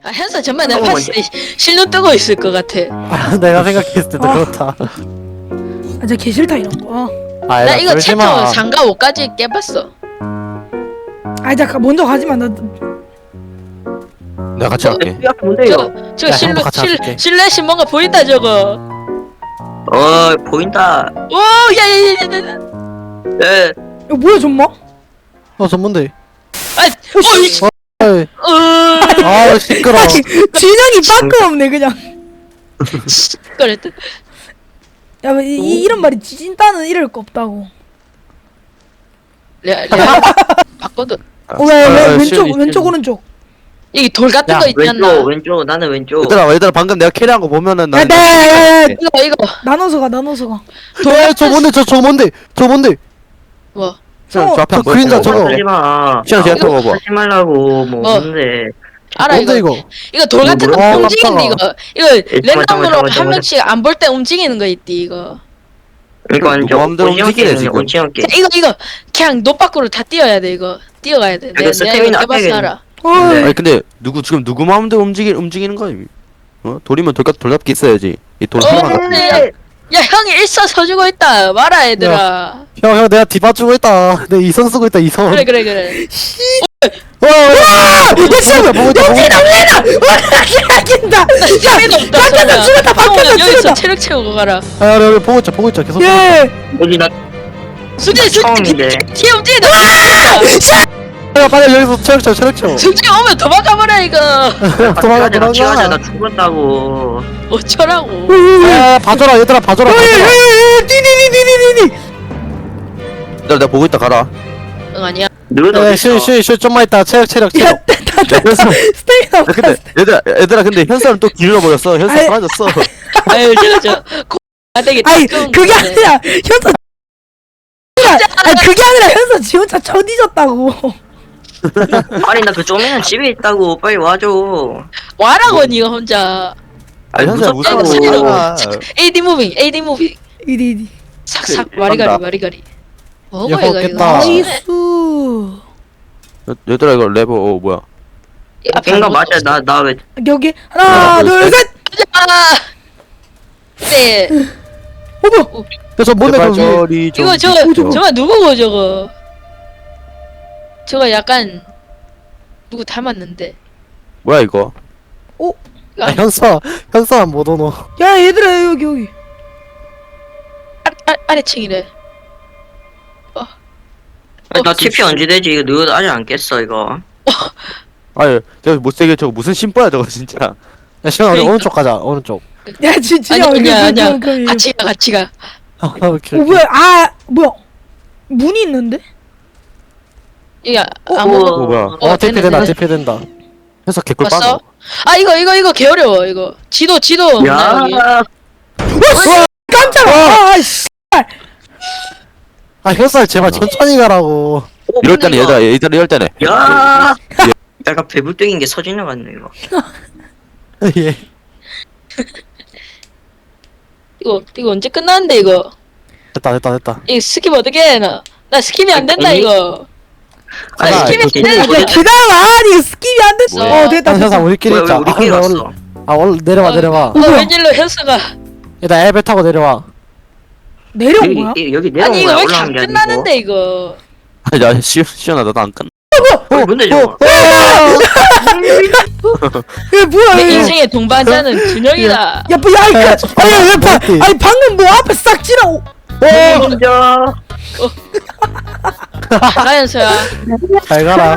현서 정말 내가 봤을 때 실눈 뜨고 있을 것 같아. 아, 내가 생각했을 때도 그렇다. 아, 진짜 개 싫다 이런 거. 아, 나 야, 이거 그러지 챕터 마. 3과 5까지 깨봤어. 아, 잠깐 먼저 가지 마. 나 내가 같이 할게. 야 뭔데 이거? 저 야, 형도 같이 할게. 실루엣이 뭔가 보인다 저거. 보인다. 오, 야야야야야. 예. 이거 뭐야 정말? 전문데. 아, 오, 어이. 아, 시끄러. 아니 진영이 빠끔 없네 그냥. 그랬다. 야, 이런 말이 진따는 이럴 거 없다고. 내가 바꿔도 왜 왼쪽 시원이, 왼쪽 시원이. 오른쪽. 여기 돌 같은 야, 거 있지 않나? 왼쪽 나는 왼쪽. 얘들아 방금 내가 캐리한 거 보면은 나. 네. 이거 나눠서 가 나눠서 가. 저 뭔데? 저 뭔데? 저 뭔데? 뭐? 저 앞에 안 저 그림자 보여? 저거. 하지 마. 시원 제가 이거 봐봐. 하지 말라고 뭐 뭔데? 알아 뭔데 이거. 이거? 이거 돌 같은 거 뭐야? 움직이는데 이거 랜덤으로 잠깐만. 한 명씩 안 볼 때 움직이는 거 있디 이거. 이거 누구 마음대로 움직이네, 지금. 오징어게. 이거 그냥 노 밖으로 다 뛰어야 돼 이거. 뛰어가야 돼. 내가 스태미나 이거 해봐서 앞에 알아. 네. 아니 근데 지금 누구 마음대로 움직이는 거야? 돌이면 돌잡기 있어야지. 이돌 하나만 더. 야 형이 일서 서주고 있다. 말아 얘들아. 형 내가 디바주고 있다. 내 이선 쓰고 있다 이선. 그래. 와! 미친! 보고 용진아 왜나! 와! 재미도 없다. 바뀌었다, 죽었다, 바뀌었다, 여기서 죽었다. 체력 채우고 가라. 아, 여기 보고 있자 계속. 예! 어디 나 수지 처음인데. 뒤에 움직인다. 빨리 여기서 체력 채워. 수지 오면 도망가버려 이거. 도망가 같이 가자. 도망가. 나 죽었다고. 어쩌라고. 아, 봐줘라 얘들아 봐줘라. 띠디디디디디디! 내가 보고 있다 가라. 응 아니야. 너도 네, 어딨어? 쉴 좀만 있다. 체력. 야, 현수. 스테이나 근데 얘들아 근데 현수는 또 길러버렸어. 현수 아이. 사라졌어. 아유 저 되게 아니 따가운 그게 건데. 아니라 현서 아니 그게 아니라 현서 지 혼자 처디졌다고. 아니 나 그 쪼매는 집에 있다고. 빨리 와줘. 와라고 니가 혼자. 아니 현수야 무섭다고. 무서워. AD 무빙 이디 삭삭 간다. 와리가리 뭐고 야, 이거 먹겠다. 나이스. 얘들아 이거 레버 뭐야? 뭔가 맞아. 나 왜? 여기 하나 둘 셋. 네 어머 저 뭔데 제발 저 위에. 저리 좀. 이거 저거 누구고 저거 약간 누구 닮았는데 뭐야 이거? 아, 현수야 못 오노. 야 얘들아 여기 아래층이래. 나 TP 언제 되지? 이거 너 아직 안 깼어 이거. 아유 저 못생겨 저거 무슨 심보야 저거 진짜. 야 시원아 우리 그러니까. 오른쪽 가자 오른쪽. 야 진짜 아니야 그 같이 가 오케이. 뭐야 뭐야 문이 있는데? 여기 어, 아무 뭐야? TP 된다 TP 된다. 현수 개꿀 봤어? 빠져. 아 이거 개 어려워 이거 지도 없나 여기? 야. 깜짝아. 아씨. 아 현수야 제발 천천히 가라고. 이럴 때는 이거. 얘들아 이럴 때는. 야. 약간 배불뚝인 게 서진영 같네 이거. 예. 이거 언제 끝나는데 이거 됐다. 이 스킵 어떻게 해 나 스킵이 안 된다 아니, 이거 아 가자. 스킵이 안 이거 된다 야 이거 기다려봐. 니 스킵이 안 됐어. 뭐야? 됐다 현수야 됐다. 우리끼리 왜 있자. 우리끼리 왔어? 원래 내려와. 뭐야? 웬일로 현수가 일단 엘베 타고 내려와. 내려온 거야? 여기 내려온 아니 이거 거야. 왜 이렇게 올라온 안 게 아니고. 끝나는데 이거 아니 나 시원하 나도 안 끝. 뭔데 저거? 야 뭐야 내 얘. 인생의 동반자는 준영이다 야 뭐야 아니 방금 뭐 앞에 싹 지나고. 먼저. 가 현수야 잘 가라.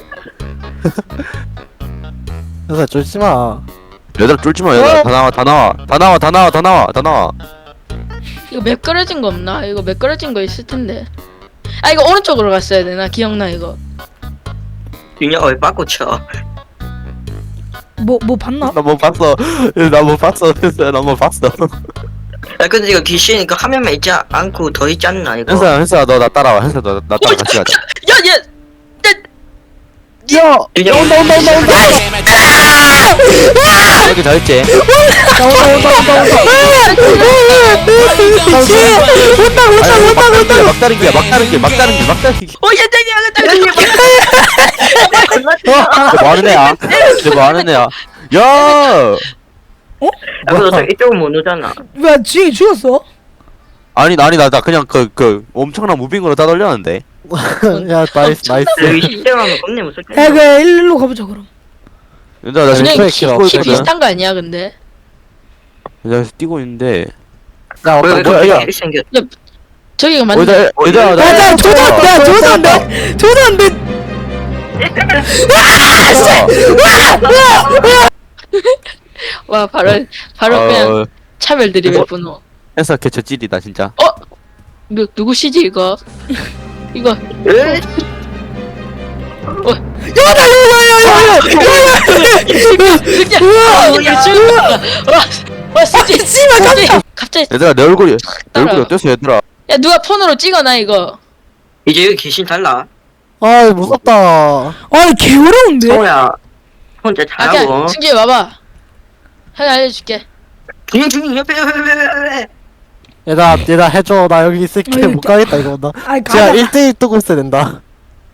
현수야 쫄지 마. 얘들아 쫄지 마 얘들아 다 나와. 이거 매끄러진 거 없나? 이거 매끄러진 거 있을 텐데 아 이거 오른쪽으로 갔어야 돼 나 기억나 이거 윤혁아 왜 빠꾸 쳐? 뭐 봤나? 나 뭐 봤어. 현수야 나 뭐 봤어. 야 근데 이거 귀신 그 화면만 있지 않고 더 있지 않나 이거? 현수야 너 나 따라와. 현수야 너 나 따라 같이 가자. 야야 야 윤혁 온다. 여기 더 있지. 막다른 길. 오 연장님 뭐 하는 애야? 쟤 뭐 하는 애야? 야! 야 그래서 이쪽은 못 오잖아. 왜 지영이 죽었어? 아니 나 그냥 그 엄청난 무빙으로 따돌렸는데. 야 나이스 나이스. 여기 시스템하면 겁내 무섭겠 야 그 일로 가보자 그럼. 얘들아 나 그냥 지금 키 키가 없거든. 비슷한 거 아니야 근데? 내가 뛰고 있는데. 야 왜 어떤 뭐야, 야. 이렇게 생겼? 저기가 맞네. 얘들아 나 야 조선대 조선대. 와 바로 그냥 어, 차별 드립의 분노. 해서 개처 찔이다 진짜. 누구시지 이거? 이거 에? 와 쓰지. 씨발 깜짝. 갑자기 얘들아 내 얼굴이 따라와. 어땠어 얘들아? 야 누가 폰으로 찍어놔 이거. 이제 여기 귀신 달라. 아 무섭다. 아니 개 어려운데. 성우야 혼자 아 잘하고. 그냥 승재 와봐. 형이 알려줄게. 중인 옆에. 얘들아 해줘. 나 여기 있을게. 아니, 못 가겠다 이거 나. 아니 진짜 가자. 1대1 뜨고 있어야 된다.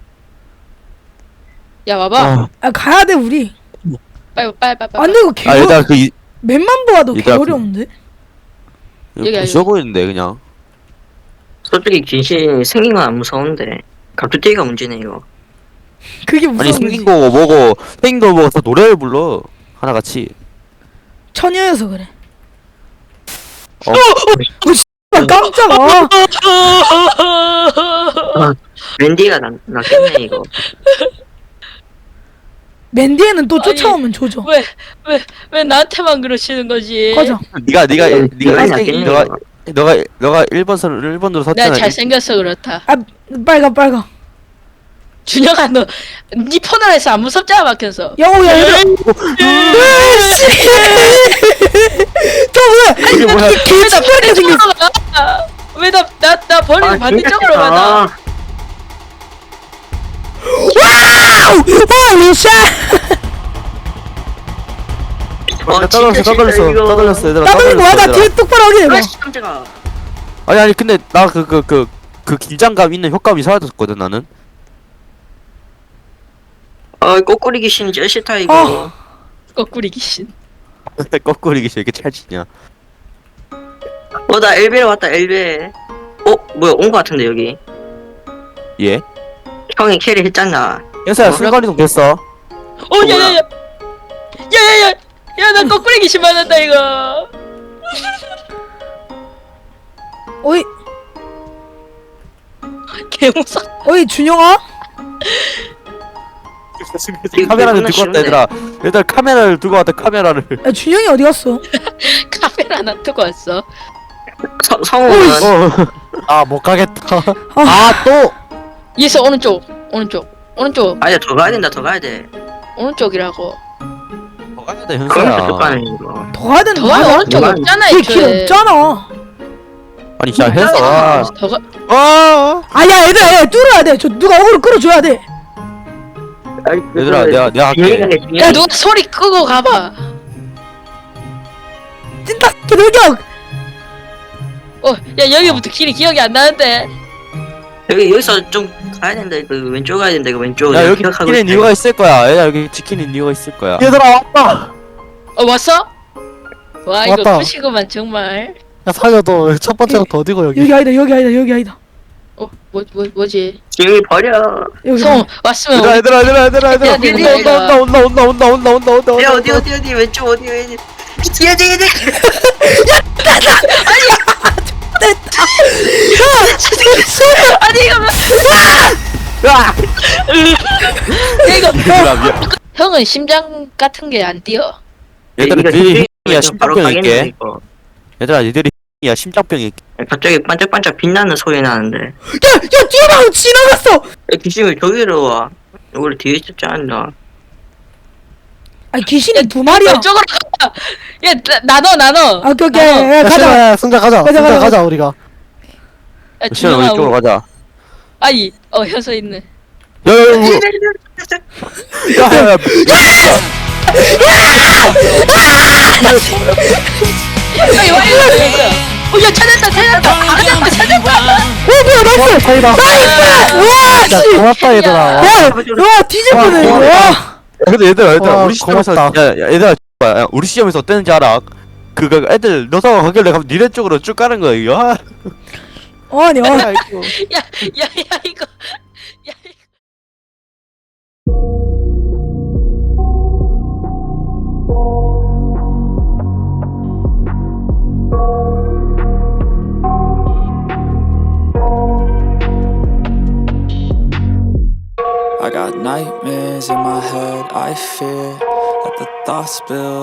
야 와봐. 아, 아 가야 돼 우리. 빨리. 안 돼 이거 개. 아 얘들아 맵만 봐도 개 얘들아, 어려운데. 여기, 쉬워 보이는데 그냥. 솔직히 귀신 생긴 건 안 무서운데 갑툭튀기가 문제네 이거. 그게 무서운 아니 거지. 생긴 거고 뭐고 생긴 거 먹어서 노래를 불러 하나 같이. 처녀여서 그래. 어. 아, 깜짝아. 랜디가 낫겠네 이거. 맨디에는 또 아니, 쫓아오면 조져. 왜 나한테만 그러시는 거지? 가자. 네가 네가 낫겠네 이거. 너가 1번으로 내가 섰잖아. 잘생겨서 그렇다. 아 빨가. 준영아 너 네 폰으로 해서 안 무섭잖아 막혀서. 영호야 얘들아. 으이씨. 저 왜? 이게 뭐야? 개짓거리가 생겼어. 왜나 버리고 반대쪽으로 진짜 가나? 와우! 홀리 샷! 떠돌렸어 얘들아. 따돌린 거야? 나 얘들아. 뒤에 똑바로 확인해봐. 아이씨 깜짝아. 아니 근데 나 그 긴장감 있는 효과음이 사라졌거든 나는. 꼬꾸리 귀신 제일 싫다 이거. 거꾸리 귀신. 거꾸리기 싫게 찰지냐. 나 엘베에 왔다 엘베. 뭐야 온 거 같은데 여기. 예? 형이 캐리 했잖아. 현서야 순간이동 됐어. 야야야. 야야야. 야나 거꾸리 귀신 맞았다 이거. 어이 개무섭. 어이 준영아? 카메라를 이거 들고 왔다 쉬운데. 얘들아 카메라를 들고 왔다 카메라를. 야 준영이 어디 갔어? 카메라 하나 두고 왔어. 성우는 아못 가겠다. 아. 아 또. 얘서 오른쪽. 아니야 더 가야 된다 더 가야 돼. 오른쪽이라고. 더 가야 돼 그럼 현서야. 어떡하는 이거. 더 가야 되는 더 가면 거야? 오른쪽 누가- 없잖아 그게 길 애초에. 없잖아. 아니 진짜 현서. 더 가. 아야 얘들아 뚫어야 돼. 저 누가 어그로 끌어줘야 돼. 얘들아 내가 할게. 야 누가 소리 끄고 가봐. 찐따 개돌격. 야 여기부터 길이 기억이 안 나는데. 여기서 좀 가야 된다 이거 왼쪽 가야 된다 이거 왼쪽. 야 내가 여기 기억하고 지키는 있다, 이유가 이거. 있을 거야. 얘들아 여기 지키는 이유가 있을 거야. 얘들아 왔다. 왔어? 와 이거 왔다. 푸시구만 정말. 야 살려도 첫 번째부터 어디고 여기. 여기 아니다. 뭐지? 지영이 버려. 여기. 성 왔으면 얘들아 해야 되는 거야, 이거. 온다. 야 어디 왼쪽 어디 뒤에 아니 이거 이거 얘들아 미안. 형은 심장 같은 게 안 뛰어. 얘들아 이거 니들이 뒤에 야 좀 바로 심장병 가겠네, 있게. 이거. 얘들아 니들이 야 심장병 있게. 갑자기 반짝반짝 빛나는 소리 나는데. 야 뛰어나고 지나갔어. 야, 귀신이 저기로 와. 원래 뒤에 있었지 않나? 아 귀신이 두 마리야. 왼쪽으로 가. 야 나눠. 아 오케이. 나눠. 야, 가자. 야 승자 가자. 가자, 승자 가자. 가자 우리가. 야 시간 우리 쪽으로 준영아. 가자. 아이 현서 있네. 야야야. 아이 와 이거. 야 찾았다. 뭐야 나이스. 차이다. 와 야 씨. 고맙다 얘들아. 와 뒤질 뻔해. 와, 와. 근데 얘들아 와, 우리 시점에서 고맙다. 야 얘들아 야, 우리 시험에서 어땠는지 알아? 그거 애들 너사가 가길래 가면 니네 쪽으로 쭉 가는 거야 이거. 아, 아니 야, 야, 야, 이거. 야, I got nightmares in my head, I fear that the thoughts build